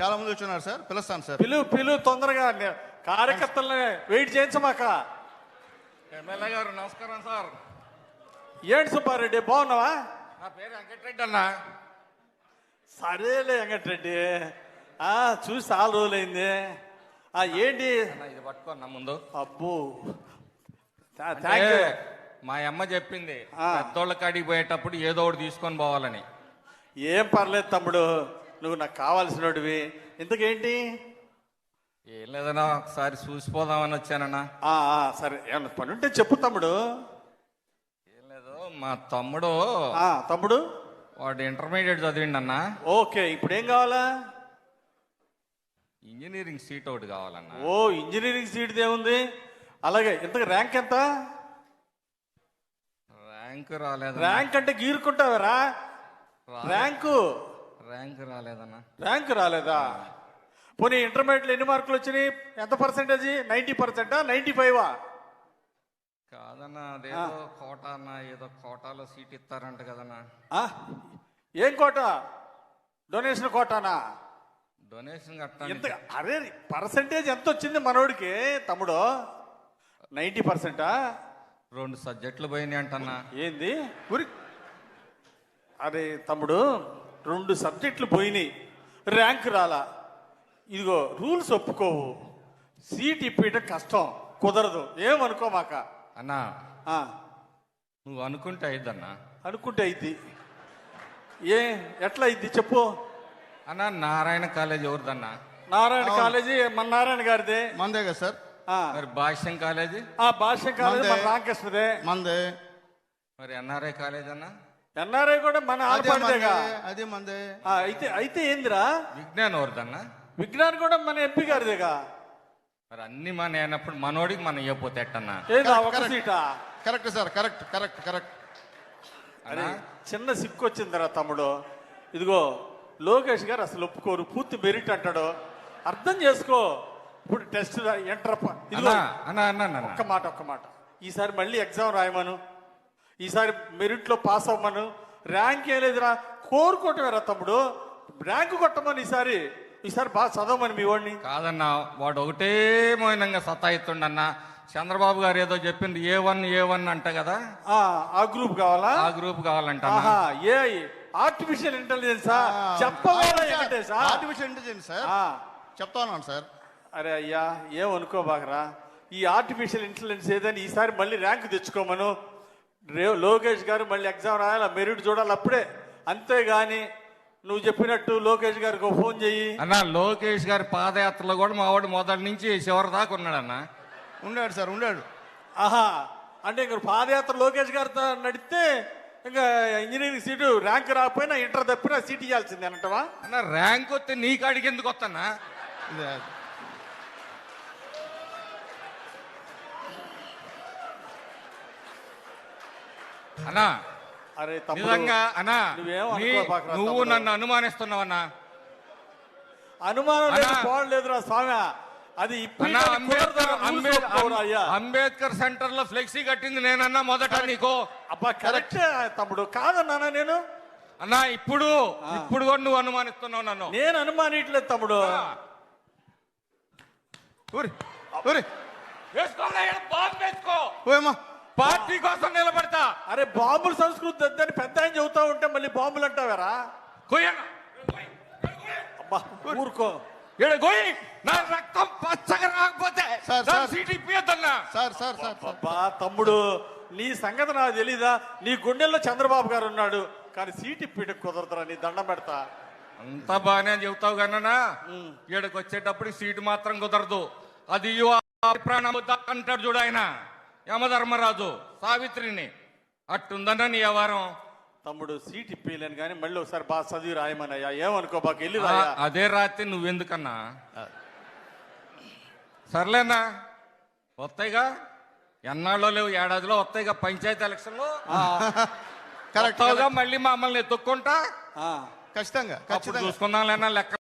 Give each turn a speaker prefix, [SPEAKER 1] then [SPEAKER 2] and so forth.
[SPEAKER 1] చాలా మంది వచ్చున్నారు సార్, పిలుస్తాను సార్.
[SPEAKER 2] పిలువు తొందరగా కార్యకర్తల్ని వెయిట్ చేయించమాక.
[SPEAKER 3] ఎమ్మెల్యే గారు నమస్కారం సార్.
[SPEAKER 2] ఏంటి సుబ్బారెడ్డి బాగున్నావా?
[SPEAKER 3] నా పేరు వెంకటరెడ్డి అన్న.
[SPEAKER 2] సరేలే వెంకటరెడ్డి, చూసి చాలా రోజులైంది. ఏంటి
[SPEAKER 3] ఇది పట్టుకోన్నా ముందు.
[SPEAKER 2] అబ్బో
[SPEAKER 3] అంటే మా అమ్మ చెప్పింది పెద్దోళ్ళ కాడికి పోయేటప్పుడు ఏదో ఒకటి తీసుకొని పోవాలని.
[SPEAKER 2] ఏం పర్లేదు తమ్ముడు, నువ్వు నాకు కావాల్సినవి. ఇంతకేంటి?
[SPEAKER 3] ఏం లేదన్నా, ఒకసారి చూసిపోదామని వచ్చానన్నా.
[SPEAKER 2] సరే, ఏమన్నా పని ఉంటే చెప్పు తమ్ముడు.
[SPEAKER 3] ఏం లేదు, మా తమ్ముడు
[SPEAKER 2] తమ్ముడు
[SPEAKER 3] వాడు ఇంటర్మీడియట్ చదివిండి అన్న.
[SPEAKER 2] ఓకే, ఇప్పుడు ఏం కావాలా?
[SPEAKER 3] ఇంజనీరింగ్ సీట్ ఒకటి కావాలన్నా.
[SPEAKER 2] ఓ, ఇంజనీరింగ్ సీట్ ఏముంది? అలాగే, ఇంతకు ర్యాంక్ ఎంత?
[SPEAKER 3] ర్యాంక్ రాలేదు.
[SPEAKER 2] ర్యాంక్ అంటే గీరుకుంటావరా? ర్యాంకు
[SPEAKER 3] రాలేదన్నా.
[SPEAKER 2] ర్యాంక్ రాలేదా? పోనీ ఇంటర్మీడియట్లో ఎన్ని మార్కులు వచ్చినాయి? ఎంత పర్సెంటేజ్? 90%, 95?
[SPEAKER 3] కాదన్నా, అదేదో కోటా అన్న, ఏదో కోటాలో సీట్ ఇస్తారంట కదన్నా.
[SPEAKER 2] ఏం కోట? డొనేషన్ కోటానా?
[SPEAKER 3] డొనేషన్
[SPEAKER 2] ఎంత? అరే, పర్సెంటేజ్ ఎంత వచ్చింది మనోడికి తమ్ముడు? 90%?
[SPEAKER 3] 2 సబ్జెక్టులు పోయినాయి అంటన్నా.
[SPEAKER 2] ఏంది? అరే తమ్ముడు, 2 సబ్జెక్టులు పోయినాయి, ర్యాంక్ రాలా. ఇదిగో రూల్స్ ఒప్పుకోవు, సీట్ ఇప్పేయటం కష్టం, కుదరదు. ఏమనుకోమాక
[SPEAKER 3] అన్నా. నువ్వు అనుకుంటే అయిద్దన్నా.
[SPEAKER 2] అనుకుంటే అయింది. ఎట్లా అయింది చెప్పు
[SPEAKER 3] అన్నా. నారాయణ కాలేజ్ ఎవరిదన్నా?
[SPEAKER 2] నారాయణ కాలేజీ మన నారాయణ గారిదే.
[SPEAKER 1] మందే కదా సార్.
[SPEAKER 3] మరి భాష్యం కాలేజీ?
[SPEAKER 2] భాష్యం కాలేజీ మన రామకృష్ణదే.
[SPEAKER 1] మందే.
[SPEAKER 3] మరి ఎన్ఆర్ఐ కాలేజ్ అన్నా?
[SPEAKER 2] ఎన్ఆర్ఐ కూడా మన ఆడపడిదేగా.
[SPEAKER 1] అదే మందే.
[SPEAKER 2] అయితే ఏందిరా?
[SPEAKER 3] విజ్ఞానం ఎవరిదన్నా?
[SPEAKER 2] విజ్ఞాన్ కూడా మన ఎంపీ గారిదేగా.
[SPEAKER 3] మరి అన్ని మన అయినప్పుడు మనోడికి మనం ఇవ్వపోతే ఎట్టన్నా?
[SPEAKER 2] ఏదా ఒక సీటా?
[SPEAKER 1] Correct sir, correct.
[SPEAKER 2] అరే, చిన్న సిక్కు వచ్చిందిరా తమ్ముడు. ఇదిగో లోకేష్ గారు అసలు ఒప్పుకోరు, పూర్తి మెరిట్ అంటాడు. అర్థం చేసుకో. ఇప్పుడు టెస్ట్ ఎంటర్. ఒక్క మాట, ఈసారి మళ్ళీ ఎగ్జామ్ రాయమను, ఈసారి మెరిట్లో పాస్ అవ్వమను. ర్యాంక్ ఏం లేదురా, కోరుకోవటమేరా తమ్ముడు. ర్యాంకు కొట్టమని ఈసారి బాగా చదవమని మీ వాడిని.
[SPEAKER 3] కాదన్నా, వాడు ఒకటే మౌనంగా సతాయిస్తుండన్నా. చంద్రబాబు గారు ఏదో చెప్పింది A1 అంట కదా.
[SPEAKER 2] ఆ గ్రూప్ కావాలా?
[SPEAKER 3] ఆ గ్రూప్ కావాలంట.
[SPEAKER 2] ఆర్టిఫిషియల్ ఇంటెలిజెన్సా? చెప్పవాలి.
[SPEAKER 1] ఆర్టిఫిషియల్ ఇంటెలిజెన్స్ సార్, చెప్తా ఉన్నాను సార్.
[SPEAKER 2] అరే అయ్యా, ఏమనుకోబాకరా. ఈ ఆర్టిఫిషియల్ ఇంటెలిజెన్స్ ఏదని ఈసారి మళ్ళీ ర్యాంక్ తెచ్చుకోమను. లోకేష్ గారు మళ్ళీ ఎగ్జామ్ రాయాలి, మెరిట్ చూడాలి అప్పుడే. అంతేగాని నువ్వు చెప్పినట్టు లోకేష్ గారికి ఫోన్ చెయ్యి
[SPEAKER 3] అన్నా. లోకేష్ గారి పాదయాత్రలో కూడా మా వాడు మొదటి నుంచి చివరి దాకా ఉన్నాడన్నా.
[SPEAKER 1] ఉన్నాడు సార్, ఉన్నాడు.
[SPEAKER 2] అంటే ఇంక పాదయాత్ర లోకేష్ గారితో నడిస్తే ఇంకా ఇంజనీరింగ్ సీటు ర్యాంక్ రాకపోయినా ఇంటర్ తప్పినా సీట్ ఇవ్వాల్సిందే అంటవా?
[SPEAKER 3] అన్న, ర్యాంక్ వస్తే నీ కాడికి ఎందుకు వస్తానా? అన్నా,
[SPEAKER 2] అరే
[SPEAKER 3] నిజంగా అన్నా, నువ్వు నన్ను అనుమానిస్తున్నావన్నా.
[SPEAKER 2] అనుమానం లేదురా స్వామి. అది
[SPEAKER 3] అంబేద్కర్ సెంటర్ లో ఫ్లెక్సీ కట్టింది నేనన్నా మొదట నీకు.
[SPEAKER 2] అబ్బా కరెక్ట్ తమ్ముడు, కాదన్నా నేను.
[SPEAKER 3] అన్నా, ఇప్పుడు కూడా నువ్వు అనుమానిస్తున్నావు నన్ను.
[SPEAKER 2] నేను అనుమానిట్లేదు తమ్ముడు.
[SPEAKER 3] పార్టీ కోసం నిలబడతా.
[SPEAKER 2] అరే, బాంబుల సంస్కృతి వద్దని పెద్ద ఆయన చెబుతా ఉంటే మళ్ళీ బాంబులు అంటావారా? అబ్బా ఊరుకో.
[SPEAKER 3] నా రక్తం పచ్చగా రాకపోతే సీట్ ఇప్పియద్దన్నా.
[SPEAKER 2] అబ్బా తమ్ముడు, నీ సంగతి నాకు తెలీదా? నీ గుండెల్లో చంద్రబాబు గారు ఉన్నాడు, కానీ సీట్ ఇప్పియడం కుదరదురా. నీ దండం పెడతా.
[SPEAKER 3] అంతా బాగానే చెబుతావు కన్నా, ఈడకి వచ్చేటప్పుడు సీటు మాత్రం కుదరదు. అది ప్రాణం అంటాడు చూడు ఆయన, యమధర్మరాజు సావిత్రిని. అట్టుందన్నా నీ వ్యవహారం.
[SPEAKER 2] తమ్ముడు, సీట్ ఇప్పలేను కానీ మళ్ళీ ఒకసారి బాగా చదివి రాయమనయ్యా. ఏమనుకో బాగా వెళ్ళి రా.
[SPEAKER 3] అదే రాత్రి నువ్వెందుకన్నా? సర్లేనా, వస్తాయిగా, ఎన్నాళ్ళో లేవు, ఏడాదిలో వస్తాయిగా పంచాయతీ ఎలక్షన్లో. కరెక్ట్గా మళ్ళీ మమ్మల్ని ఎత్తుక్కుంటా.
[SPEAKER 1] ఖచ్చితంగా
[SPEAKER 3] చూసుకుందాం లేనా లెక్క.